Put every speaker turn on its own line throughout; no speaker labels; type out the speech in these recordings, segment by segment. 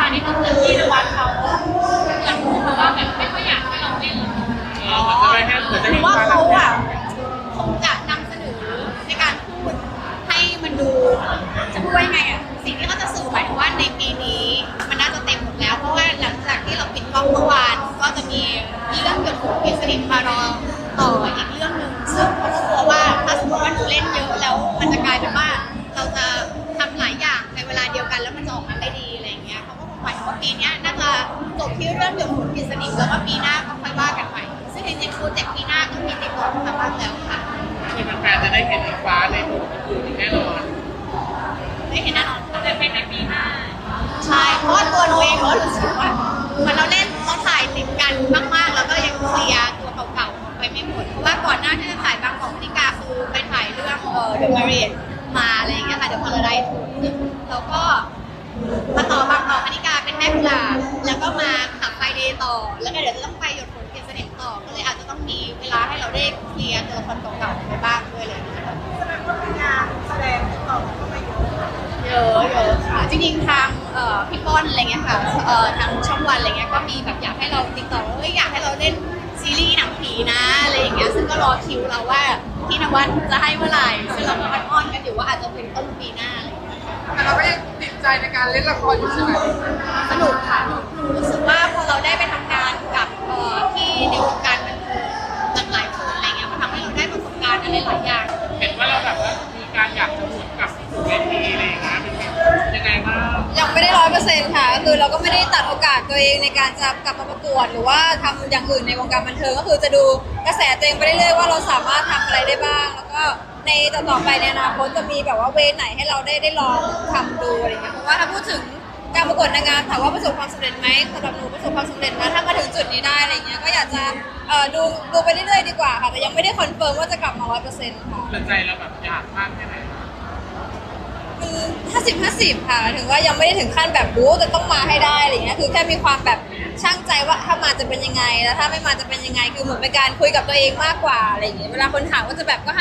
นี้ก็คือที่นวัดเขาเหมือนพูดมาว่าแบบไม่ค่อยอยากให้เราเล่นเลยหรือว่าเขาอะคงจะนำเสนอในการพูดให้มันดูจะพูดว่ายังไงอะสิ่งที่เขาจะสื่อหมายถึงว่าในปีนี้มันน่าจะเต็มหมดแล้วเพราะว่าหลังจากที่เราปิดกล้องเมื่อวานก็จะมีเรื่องเกี่ยวกับกิจสนิทมารอต่ออีกเรื่องหนึ่งซึ่งเขาก็กลัวว่าถ้าสมมติว่าหนูเล่นเยอะแล้วมันจะกลายเป็นว่าเราจะทำหลายอย่างในเวลาเดียวกันแล้วมันจะออกมาได้ดีอะไรอย่างเงี้ยเขาก็คงหมายถึงว่าปีนี้น่าจะจบที่เรื่องเกี่ยวกับกิจสนิทแล้วว่าปีหน้าก็ค่อยว่ากันใหม่ซึ่งจริงๆโปรเจกต์ปีหน้าก็มีติดต่อมาบ้างแล้วค่ะ
คือแฟนๆจะได้เห็นอิงฟ้าในบทอื่นแน่นอน
ได้เห็นแน่นอนแต่เป็นในปีหน้าใช่เพราะว่าตัวหนูเองก็รู้สึกว่าเหมือนเราเล่นเราถ่ายติดกันมากๆแล้วก็ยังเคลียร์ตัวเก่าๆไปไม่หมดเพราะว่าก่อนหน้าที่จะถ่ายบางกอกนิกาคือไปถ่ายเรื่องเดอะมารีนมาอะไรอย่างเงี้ยค่ะเดอะพาราไดซ์แล้วก็มาต่อบางกอกนิกาเป็นแม่กุหลาบแล้วก็มาขับไฟเดย์ต่อแล้วก็เดี๋ยวจะต้องไปหยดฝนเกียรติเสน่ห์ต่อก็เลยอาจจะต้องมีเวลาให้เราได้เคลียร์ตัวละครเก่าๆไปบ้างด้วยเลยนะคะ
งานแสดงต่อก็ไม่เยอะ
เยอะค่ะจริงๆทางพี่ป้อนอะไรเงี้ยค่ะทางช่องวันอะไรเงี้ยก็มีแบบอยากให้เราติดต่อว่าอยากให้เราเล่นซีรีส์หนังผีนะอะไรอย่างเงี้ยซึ่งก็รอคิวเราว่าพี่นวัดจะให้เมื่อไหร่ซึ่งเราก็อ้อนกันอยู่ว่าอาจจะเป็นต้นปีหน้าอะไรอย่างเงี้ย
แต่เราก็ยังติดใจในการเล่นละครอยู่ใช่ไหม
สนุกค่ะหนูรู้สึกว่าพอเราได้ไปทำงานกับที่ในวงการบันเทิงหลากหลายคนอะไรเงี้ยมันทำให้เราได้ประสบการณ์อะไรหลายอย่าง
เห็นว่าเราแบบว่ามีการอยากจะหมุนกับเวทีอะไรอย่างเงี้ยเป็นยังไงบ้าง
ยังไม่ได้100%ค่ะคือเราก็ไม่ได้ตัดโอกาสตัวเองในการจะกลับมาประกวดหรือว่าทำอย่างอื่นในวงการบันเทิงก็คือจะดูกระแสตัวเองไปเรื่อยๆว่าเราสามารถทำอะไรได้บ้างแล้วก็ในต่อไปในอนาคตจะมีแบบว่าเวไหนให้เราได้ลองทำดูอะไรเงี้ยเพราะว่าถ้าพูดถึงการประกวดนางงามถามว่าประสบความสำเร็จไหมสำหรับหนูประสบความสำเร็จนะถ้ามาถึงจุดนี้ได้อะไรเงี้ยก็อยากจะดูไปเรื่อยๆดีกว่าค่ะแต่ยังไม่ได้คอนเฟิร์มว่าจะกลับมา100%ค่ะ
ใจเราแบบอยากมากแค่ไหน
50-50ค่ะถึงว่ายังไม่ได้ถึงขั้นแบบบู๊แต่ต้องมาให้ได้อะไรเงี้ยคือแค่มีความแบบช่างใจว่าถ้ามาจะเป็นยังไงแล้วถ้าไม่มาจะเป็นยังไงคือเหมือนเป็นการคุยกับตัวเองมากกว่าอะไรอย่างเงี้ยเวลาคนถามว่าจะแบบก็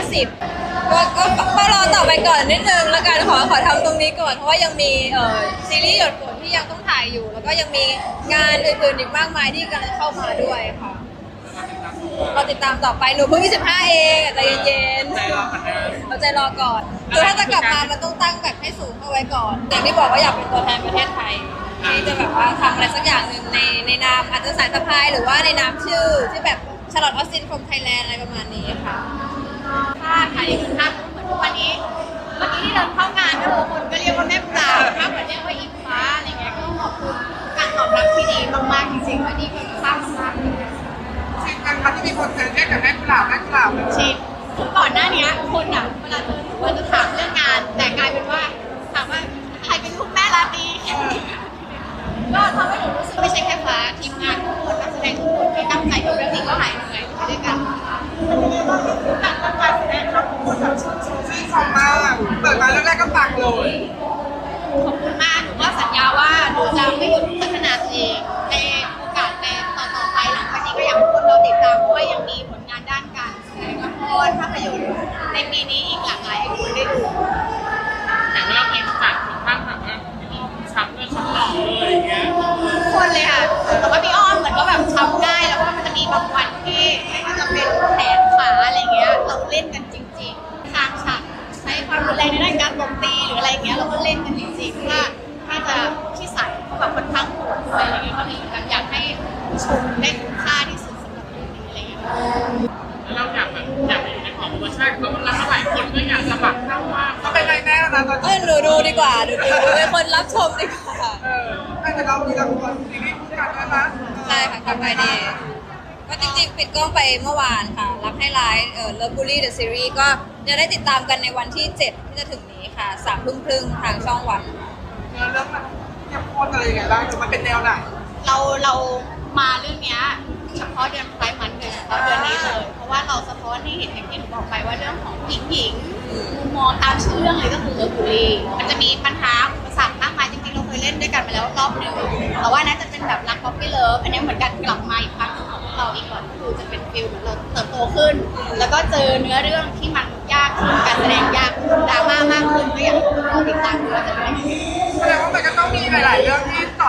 50-50ก็รอต่อไปก่อนนิดนึงแล้วกันขอทำตรงนี้ก่อนเพราะว่ายังมีซีรีส์หยดฝนที่ยังต้องถ่ายอยู่แล้วก็ยังมีงานอื่นๆอีกมากมายที่กำลังเข้ามาด้วยค่ะเราติดตามต่อไปหนูเพิ่ง25เองใจเย็นๆเราใจรอก่อนคือถ้าจะกลับมามันต้องตั้งแบบให้สูงเข้าไว้ก่อนอย่างที่บอกว่าอยากเป็นตัวแทนประเทศไทยที่จะแบบว่าทำอะไรสักอย่างหนึ่งในนามอาจจะสายสะพายหรือว่าในนามชื่อที่แบบชาร์ลอตออสตินฟรอมไทยแลนด์อะไรประมาณนี้ค่ะ
ค่ะอย่างคุณภาพเหมือนทุกวันนี้เมื่อกี้ที่เดินเข้างานก็คนก็เรียกว่าแม่ปลาถ้าเหมือนเรียกว่าอิงฟ้าอะไรเงี้ยก็ขอบคุณการตอบรับที่ดีมากๆจริงๆว่านี่คือภาพมาก
จริงกันที่มีคนเคยเรียกกับแม่กุหลาบ
ชินก่อนหน้านี้คนอ่ะเวลาเจอหนูว่าจะถามเรื่องงานแต่กลายเป็นว่าถามว่าใครเป็นลูกแม่ราตรีก็ทำให้หนูรู้สึกไม่ใช่แค่ฟ้าทีมงานทุกคนนักแสดงทุกคนที่ตั้งใจทำเรื่องนี้ก็หายเหนื่อยไปด้วยกัน
การแสดงครับคนแบบชื่นชมมากเปิดมาเรื่องแรกก็ปังเลย
ขอบคุณมากหนูก็สัญญาว่าหนูจะไม่หยุดพัฒนาตัวเองในโอกาสในต่อไปหลังจากนี้ก็อยากให้คนเราติดตามเพราะว่ายังมีผลงานด้านการแสดงละครภาพยนตร์ในปีนี้อีกหลากหลายให้คุณได้ดู
แต่ว่าเราเองจัดถึงขั้นแบบว่าพี่อ้อมช้ำเลยช้ำหล่อเลยอย่างเงี้ย
คนเลยค่ะแต่ว่าพี่อ้อมเหมือนก็แบบช้ำง่ายแล้วก็มันจะมีบางวันที่ไม่ว่าจะเป็นแขนขาอะไรเงี้ยเราเล่นกันจริงๆทางฉากใช้ความรุนแรงในด้านการตบตีหรืออะไรเงี้ยเราก็เล่นกันจริงๆถ้าจะที่ใส่เขาแบบค่อนข้างโหดด้วยอะไรเงี้ยก็เลยแบบอยากให้ชมได้คุ้มค่าที่สุดสำหรับเรื่องนี้อะไรเงี้ย
แล้วเราอยากไปอยู่ในของโปรโมชั่นก็มันรับหลายคนก็อยากสมัครเข้าว่า
เขาเป็นไรแน่นะตอนนี้
ดูดีกว่าดูเป็นคนรับชมดีกว่า
แต่เรามีละครซีรีส์คู่กันด้วยนะ
ใช่ค่ะกับไอเดย์ก็จริงๆปิดกล้องไปเมื่อวานค่ะรักให้ร้ายLovebully The Series ก็จะได้ติดตามกันในวันที่7ที่จะถึงนี้ค่ะ3:30ทางช่องวัน
เรื่องมันเข้มข้นอะไรยังไงบ้างมันเป็นแนวไหน
เรามาเรื่องนี้เฉพาะเดือนไพร์มันเลยเฉพาะเดือนนี้เลยเพราะว่าเราสะท้อนให้เห็นอย่างที่หนูบอกไปว่าเรื่องของหญิงมุมมองตามชื่อเรื่องเลยก็คือเลิฟบูลลี่มันจะมีปัญหาอุปสรรคมากมายจริงๆเราเคยเล่นด้วยกันมาแล้วรอบหนึ่งแต่ว่าน่าจะเป็นแบบรักป๊อปปี้เลิฟอันนี้เหมือนกันกลับมาอีกครั้งของเราอีกก่อนคือจะเป็นฟิลเราเติบโตขึ้นแล้วก็เจอเนื้อเรื่องที่มันยากขึ้นการแสดงยากดราม่ามากขึ้นก็อยากให้เราติดตามว่าจะเป็นยังไง
แสดงว่ามันก็ต้องมีหลายๆเรื่องที่ต่อ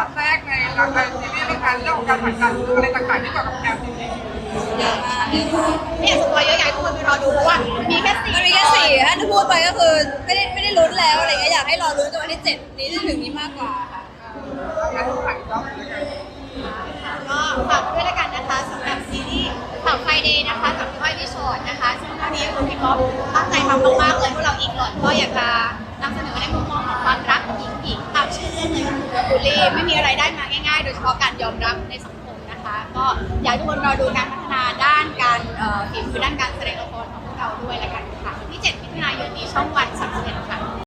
ยังไงหลังจากซีรีส์เรื่องการเรื่องของการผ่านการอะไรต่างๆที่เกี่ยวกับแอลซีรีส์
เยอะมาก
ไม่อยากสปอยเยอะอยากให้ทุกคนไปรอดูเพราะว่ามีแค่สี่
มันมีแค่สี่ถ้าจะพูดไปก็คือไม่ได้ลุ้นแล้วอะไรเงี้ยอยากให้รอลุ้นกันวันที่7นี้จะถึงนี้มากกว่าค่ะ
งานทุกฝ่ายก็เหมือนกัน
ก็ฝากด้วยละกันนะคะสำหรับซีรีส์ข่าวไฟเดย์นะคะกับพี่อ้อยพี่ชอตนะคะซึ่งเรื่องนี้คือพี่ก๊อฟตั้งใจทำมากๆเลยพวกเราอีกหลอดก็อยากจะนำเสนอในมุมมองของความรักหญิงตามชื่อเรื่องเลยคือบูลลี่ไม่มีอะไรได้มาง่ายๆ โดยเฉพาะการยอมรับในสังคมนะคะ ก็อยากให้ทุกคนรอดูการพัฒนาด้านการฝีมือด้านการแสดงละครของพวกเราด้วยละกันค่ะวันที่7 มิถุนายนนี้ช่องวัน31ค่ะ